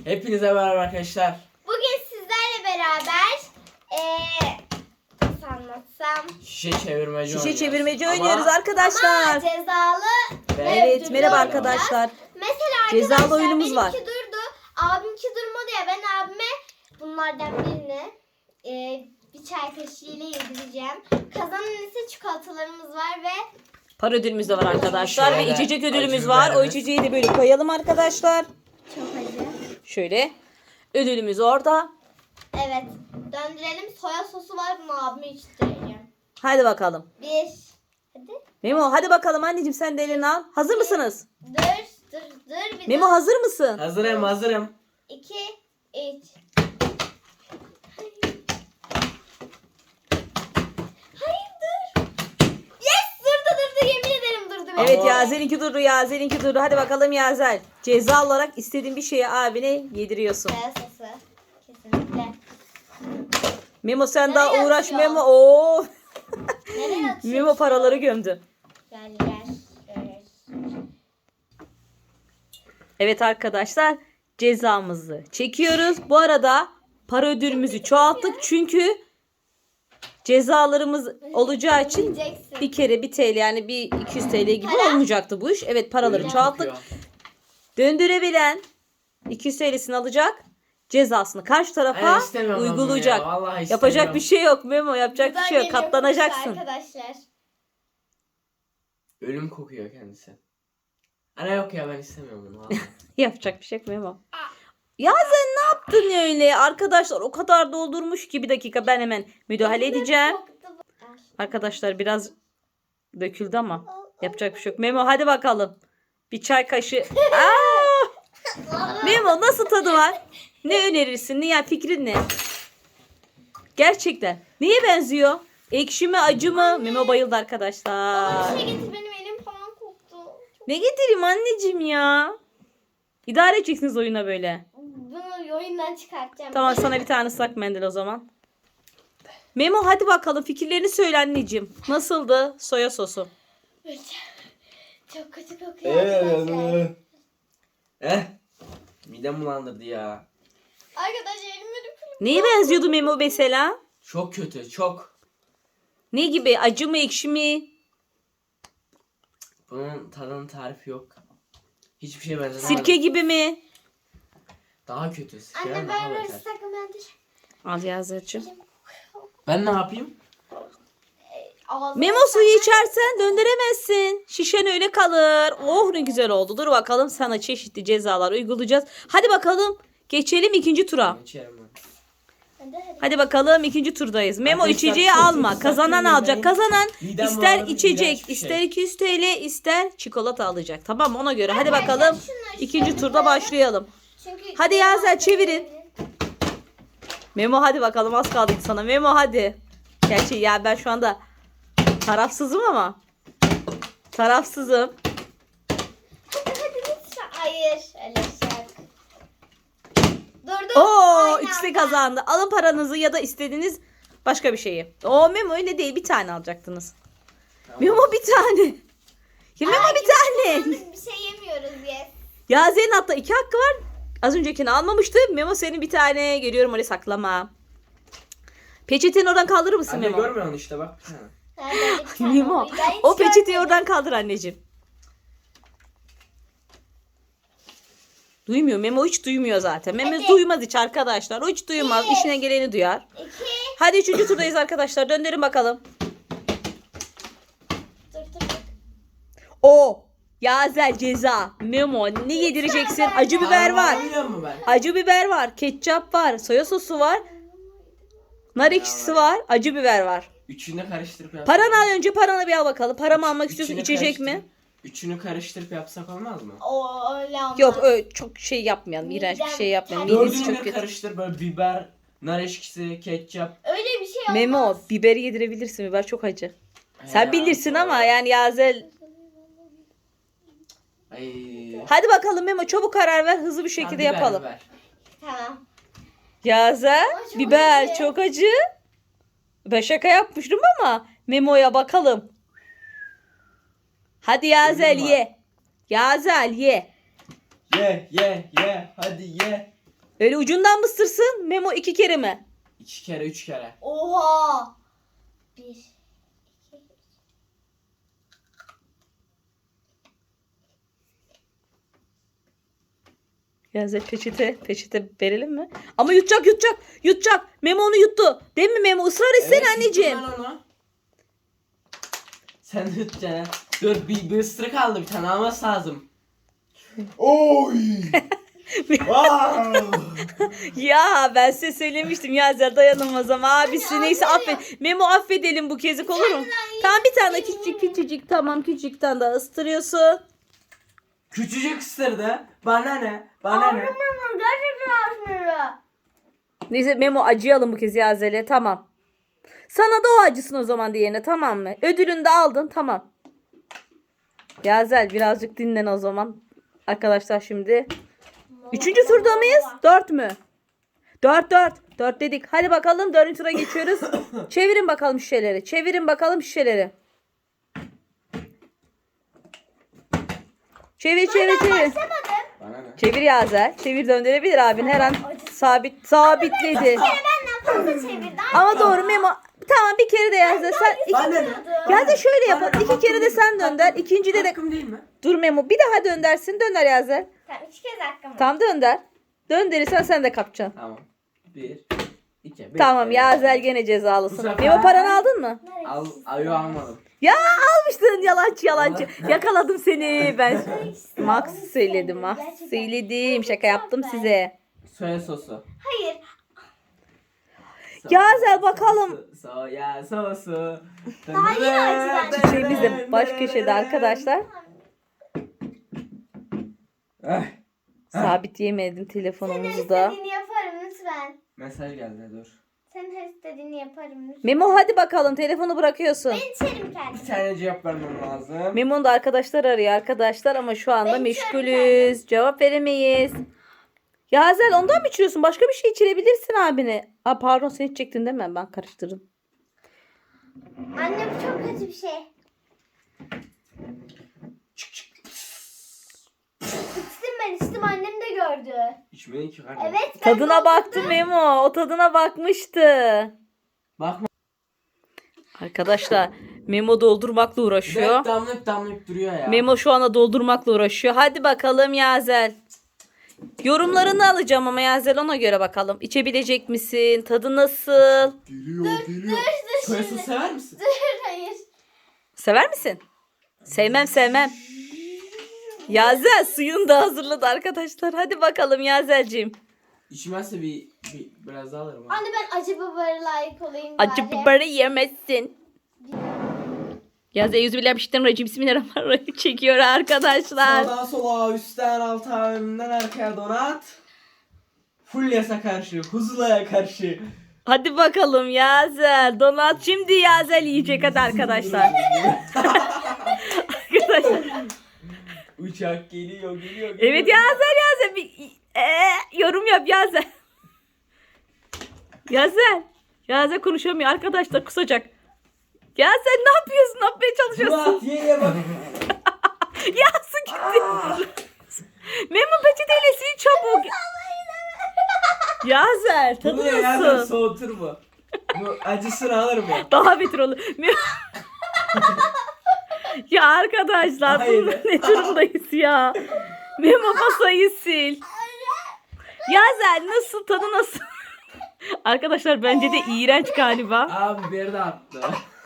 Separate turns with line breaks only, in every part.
Hepinize merhaba arkadaşlar.
Bugün sizlerle beraber nasıl anlatsam?
Şişe çevirmeci
Şişe çevirmeci oynuyoruz
Ama
arkadaşlar.
cezalı
Evet,
ödüllü
merhaba
oynayacağız.
arkadaşlar.
Mesela
Cezalı
arkadaşlar
oyunumuz var.
benimki durdu. Abimki durmadı ya, ben abime bunlardan birini bir çay kaşığıyla yedireceğim. Kazanan ise çikolatalarımız var ve
Para ödülümüz de var arkadaşlar
Şöyle
ve içecek ödülümüz
acı
var. O
biberimiz.
içeceği de böyle koyalım arkadaşlar.
çok acı.
Şöyle. Ödülümüz orada.
Evet, döndürelim. Soya sosu var, bunu abime içtireceğim.
Hadi bakalım.
Bir. Hadi.
Memo hadi bakalım anneciğim sen de elini al. Hazır mısınız?
Dur. Bir
Memo hazır mısın?
Hazırım.
2, 3. Hayır dur. Yes, durdu. Yemin ederim durdu.
Evet
Ama-
Yazel'inki durdu, Yazel'inki durdu. Hadi bakalım Yazel. Ceza olarak istediğin bir şeyi abine yediriyorsun.
Soya sosu. Kesinlikle.
Memo sen
Nereye
daha uğraş
atıyor?
Memo. Oo.
Nereye atıyorsun?
Memo paraları gömdü.
Gel.
Evet arkadaşlar cezamızı çekiyoruz. Bu arada para ödülümüzü çoğalttık çünkü cezalarımız olacağı için
Yiyeceksin.
bir kere 1 TL yani bir 200 TL gibi
Para?
olmayacaktı bu iş. Evet paraları
Ölüm
çoğalttık.
kokuyor.
Döndürebilen 200 TL'sini alacak. Cezasını karşı tarafa
Ay, istemiyorum ben bunu
uygulayacak.
ya, vallahi istemiyorum.
Yapacak bir şey yok Memo. Yapacak bir
Buradan
şey yok.
geliyor
Katlanacaksın.
arkadaşlar.
Ölüm kokuyor kendisi. Ana yok ya, ben istemiyorum bunu. vallahi.
Yapacak bir şey yok Memo. Ya sen ne yaptın öyle? Arkadaşlar o kadar doldurmuş ki bir dakika ben hemen müdahale edeceğim. Arkadaşlar biraz döküldü ama yapacak bir şey yok. Memo hadi bakalım. Bir çay kaşığı. Aa! Memo nasıl tadı var? Ne önerirsin? Ne yani fikrin ne? Gerçekten. Neye benziyor? Ekşi mi acı mı? Memo bayıldı arkadaşlar.
Bir şey getir, benim elim falan koktu.
Ne getireyim anneciğim ya? İdare edeceksiniz oyuna böyle.
Bunu oyundan çıkartacağım.
Tamam sana bir tane ıslak mendil o zaman. Memo hadi bakalım fikirlerini söyle anneciğim. Nasıldı soya sosu?
Çok kötü kokuyor arkadaşlar.
Midem bulandırdı ya.
Arkadaşlar elim öyle
Neye benziyordu Memo mesela?
Çok kötü, çok.
Ne gibi? Acı mı ekşi mi?
Bunun tadının tarifi yok. Hiçbir şey benzemez.
Sirke gibi mi?
Daha kötü. Sirkeden
Anne
daha
ver
beter.
ıslak mendil.
Al Yazır'cığım.
Ben ne yapayım?
Ağzına
Memo suyu içersen döndüremezsin. Şişen öyle kalır. Oh ne güzel oldu. Dur bakalım sana çeşitli cezalar uygulayacağız. Hadi bakalım geçelim ikinci tura.
İçerim ben.
Hadi.
Hadi bakalım ikinci turdayız. Memo
Arkadaşlar,
içeceği
çok
alma.
kötü,
Kazanan
sakın
alacak.
yemeyin.
Kazanan
Midem
ister
bulandı,
içecek,
iğrenç bir
ister
şey.
200 TL, ister çikolata alacak. Tamam mı? Ona göre. Hadi
Arkadaşlar,
bakalım.
şunları
İkinci
şöyle
turda başlayalım.
Çünkü
Hadi Yazel çevirin. Memo hadi bakalım az kaldı sana. Memo hadi. Gerçi ya ben şu anda tarafsızım ama. Tarafsızım.
Hadi lütfen. Hayır. Öyle şey yok. Dur.
Oo
Aynı
ikisi
anda.
kazandı. Alın paranızı ya da istediğiniz başka bir şeyi. Oo Memo öyle değil. Bir tane alacaktınız.
Tamam.
Memo bir tane. Ya Memo
Ay,
bir tane.
Bir şey yemiyoruz diye.
Ya Zeyn hatta 2 hakkı var. Az öncekini almamıştı. Memo senin bir tane. Görüyorum orayı saklama. Peçeteni oradan kaldırır mısın
Anne
Memo?
görmüyor musun işte bak. Ha.
Nerede bir tane
Memo
var? Ben hiç
o peçeteyi
görmedim.
oradan kaldır anneciğim. Duymuyor. Memo hiç duymuyor zaten. Memo
Hadi.
duymaz hiç arkadaşlar. O hiç duymaz.
Bir.
İşine geleni duyar.
2.
Hadi 3. turdayız arkadaşlar. Döndürün bakalım.
Dur.
O Yazel ceza. Memo ne yedireceksin? Acı biber var.
Biliyor musun ben?
Acı biber var. Ketçap var. Soya sosu var. Nar ekşisi var. Acı biber var.
Üçünü karıştırıp yapsak.
Paranı al önce paranı bir al bakalım. Paramı almak istiyorsun.
Üçünü
İçecek
karıştırıp-
mi?
Üçünü karıştırıp yapsak olmaz mı?
O öyle olmaz.
Yok öyle çok şey yapmayalım. İğrenç bir şey yapmayalım. Midesi
Dördünü
çok
bir
kötü.
karıştır, böyle biber, nar ekşisi, ketçap.
Öyle bir şey olmaz.
Memo biberi yedirebilirsin. Biber çok acı. Sen
Ya,
bilirsin
doğru.
ama yani Yazel.
Ay.
Hadi bakalım Memo çabuk karar ver. Hızlı bir şekilde
Tamam, biber,
yapalım.
biber.
Tamam.
Yazel
Ama çok
biber
acı.
çok acı. Ben şaka yapmıştım ama Memo'ya bakalım. Hadi Yazel
Ölüm var.
ye. Yazel ye.
Ye, hadi ye.
Öyle ucundan mı ısırsın? Memo 2 kere mi?
2 kere 3 kere.
Oha. 1, 2,
Yazel peçete verelim mi? Ama yutacak. Memo onu yuttu. Değil mi Memo? Israr etsene anneciğim.
yuttum ben onu. Sen de yutacaksın. Dur bir ısırık aldı, bir tane alması lazım. Oy! Wow!
Ya ben size söylemiştim Yazel dayanamaz ama abisi neyse affet. Memo affedelim bu kezik olur mu? Tamam bir tane küçücük tamam küçük tane daha ıstırıyorsun.
Küçücük ısırdı. Bana ne? Bana ne?
gerçekten acımıyor.
Neyse Memo acıyalım bu kez Yazel'e tamam. Sana da o acısın o zaman diğerine tamam mı? Ödülünü de aldın tamam. Yazel birazcık dinlen o zaman. Arkadaşlar şimdi. 3. turda mıyız? 4 mü? 4. 4 dedik. Hadi bakalım 4. tura geçiyoruz. Çevirin bakalım şişeleri. Çevir. Çevir.
Bana ne?
Çevir Yazel. Çevir döndürebilir abin. Her an sabitledi.
Benden fazla çevirdi.
Ama doğru Memo. Tamam bir kere de Yazel. Sen
Bana ne?
Yazel şöyle yapalım.
Bana ne?
2 kere de sen dönder. İkincide de
Hakkım değil mi?
dur Memo. Bir daha döndersin. Dönder Yazel.
Tamam 2 kez hakkım var.
Tam dönder. Döndürürsen sen de kapacaksın.
Tamam. 1 2
Tamam Yazel gene cezalısın.
Bu sefer-
Memo paranı aldın mı?
Al, ayo almadım.
Ya almıştın yalancı. Yakaladım seni ben. Max söyledim. Şaka yaptım size.
Soya sosu.
Hayır.
Yazel bakalım.
Soya sosu.
Daha yeni acı bence.
Çiçeğimiz de baş köşede arkadaşlar.
Eh,
Sabit yemedim
Senin
telefonumuzda.
istediğini yaparım lütfen.
mesaj geldi dur.
Senin her istediğini yaparım lütfen.
Memo hadi bakalım telefonu bırakıyorsun.
Ben içerim
Bir
kendimi.
tane cevap vermem lazım.
Memo'nun da arkadaşlar arıyor arkadaşlar ama şu anda
Ben
meşgulüz. Cevap veremeyiz. Yazel ondan mı içiyorsun? Başka bir şey içirebilirsin abine. Aa, pardon sen içecektin değil mi? Ben karıştırdım.
Anne bu çok kötü bir şey. İçtim annem de gördü.
İçmeyin ki kardeşim.
Evet ben
Tadına baktı Memo. O tadına bakmıştı.
Bakma.
Arkadaşlar Memo doldurmakla uğraşıyor.
Hep damlayıp duruyor ya.
Memo şu anda doldurmakla uğraşıyor. Hadi bakalım Yazel. Yorumlarını alacağım ama Yazel ona göre bakalım. İçebilecek misin? Tadı nasıl?
Geliyor. Soya sosu sever misin?
Hayır.
Sever misin? Sevmem. Yazel suyunu da hazırladı arkadaşlar. Hadi bakalım Yazel'cim.
İçmezse biraz daha alırım.
Anne ben acı biberi layık olayım
Acı
bari.
biberi yemezsin. Yazel yüzübillah bismillahirrahmanirrahim çekiyor arkadaşlar.
Sağdan sola, üstten alta, önünden arkaya donat. Full yasa karşı, Huzula'ya karşı.
Hadi bakalım Yazel. Donat şimdi Yazel yiyecek hadi arkadaşlar. Arkadaşlar.
Uçak geliyor.
Evet Yazel bir yorum yap Yazel. Yazel konuşamıyor arkadaşlar kusacak. Yazel ne yapıyorsun? Ne yapmaya çalışıyorsun?
Murat ye bak.
Ya su gitti. Memo peçeteyle sil çabuk. Yazel tadı
Bunu yerden
nasıl?
soğutur bu. Bu acısını alır mı?
Daha beter olur. Ya arkadaşlar
Hayır.
ne durumdayız ya? Memo masayı sil. Yazel nasıl tadı nasıl? Arkadaşlar bence de iğrenç galiba.
Abi biberi de attı.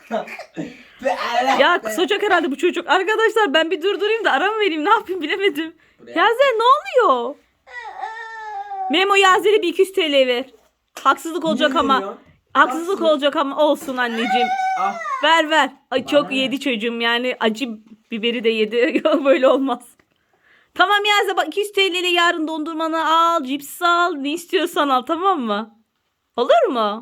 Ya kusacak herhalde bu çocuk. Arkadaşlar ben bir durdurayım da ara mı vereyim ne yapayım bilemedim.
Buraya.
Yazel ne oluyor? Memo Yazel'e bir 200 TL ver. Haksızlık olacak
Niye
ama.
veriyorsun?
Haksızlık olacak ama olsun anneciğim.
Ah,
Ver. Ay çok
Bana ne?
yedi çocuğum yani acı biberi de yedi. Yok böyle olmaz. Tamam Yazel bak 200 TL ile yarın dondurmanı al, cips al, ne istiyorsan al tamam mı? Olur mu?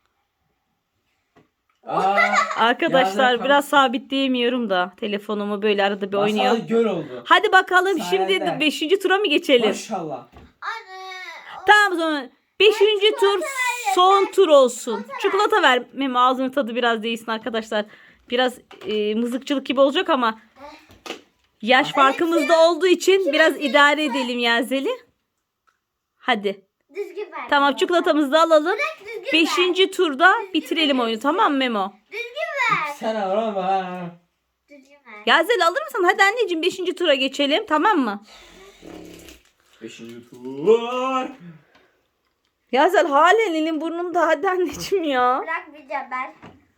Arkadaşlar
Yazel
biraz sabitleyemiyorum da telefonumu böyle arada bir oynuyor.
Masal göl oldu.
Hadi bakalım
Sayende.
şimdi 5. tura mı geçelim?
Maşallah.
Anne.
Tamam o zaman 5. tur son tur olsun. Çikolata ver Memo ağzının tadı biraz değilsin arkadaşlar. Biraz mızıkçılık gibi olacak ama yaş farkımız da olduğu için biraz idare edelim Yazel'i. Hadi.
Düzgün ver.
Tamam, çikolatamızı da alalım.
Düzgün ver.
5. turda bitirelim oyunu, tamam mı Memo?
Düzgün ver.
Sen arama.
Düzgün ver.
Yazel alır mısın? Hadi anneciğim 5. tura geçelim, tamam mı?
5. tur.
Yazel halen elin burnunda, hadi anneciğim ya.
Bırakmayacağım ben.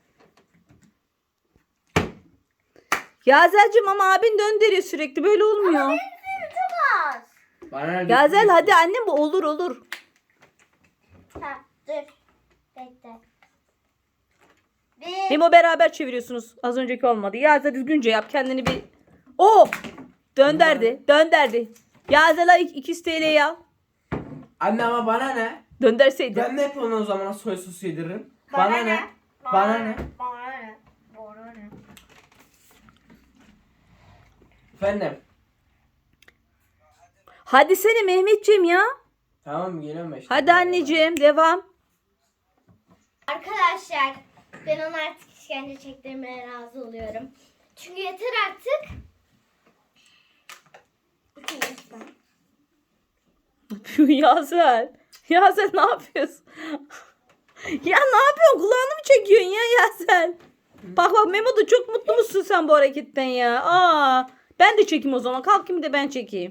Yazel'cim ama abin döndürüyor sürekli, böyle olmuyor.
Çok az.
Bana ne
Yazel
diyorsun?
hadi annem, bu olur olur.
Tamam dur. Bekle. Bir.
Memo beraber çeviriyorsunuz. Az önceki olmadı. Yazel düzgünce yap kendini bir. Oh! Dönderdi. Yazel ay 200 TL'yi al.
Anne ama bana ne?
Dönderseydin.
Ben de hep ona o zaman soy sosu yediririm. Bana ne? Bana ne?
Bana ne? Bana ne?
Efendim.
Hadi sene Mehmetciğim ya.
Tamam geliyorum ben işte.
Hadi anneciğim devam.
Arkadaşlar ben ona artık işkence çektirmeye razı oluyorum. Çünkü yeter artık.
Yazel. Yazel ne yapıyorsun? Ya ne yapıyorsun? Kulağını mı çekiyorsun ya Yazel? Bak Memo da çok mutlu musun sen bu hareketten ya? Aa, ben de çekeyim o zaman. Kalkayım da ben çekeyim.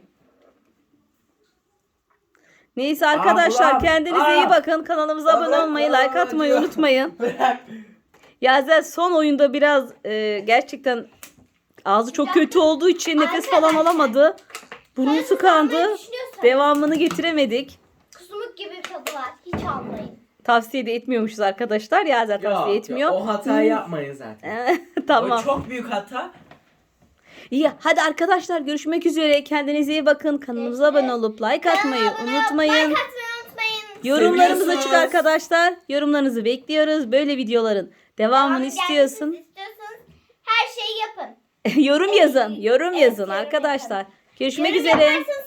Neyse arkadaşlar,
Ablam,
kendinize iyi bakın. Kanalımıza abone olmayı, like atmayı unutmayın.
Bırak.
Yazel son oyunda biraz gerçekten ağzı çok kötü olduğu için nefes falan
Arkadaşlar,
alamadı. Burnu
Hayır,
tıkandı.
almayı düşünüyorsanız
Devamını getiremedik.
kusmuk gibi tadı var. Hiç almayın.
Tavsiye de etmiyormuşuz arkadaşlar. Yazel tavsiye etmiyor.
O hatayı yapmayın zaten.
Tamam.
O çok büyük hata.
İyi, hadi arkadaşlar görüşmek üzere. Kendinize iyi bakın. Kanalımıza abone olup like atmayı unutmayın.
Like atmayı unutmayın.
Yorumlarımız açık
Seviyorsunuz.
arkadaşlar. Yorumlarınızı bekliyoruz. Böyle videoların devamını
Devamı
istiyorsun.
gelmesini istiyorsanız her şeyi yapın.
Yorum yazın. Yorum
Evet,
yazın
yorum
arkadaşlar. Görüşmek
Yorum
üzere.
yaparsanız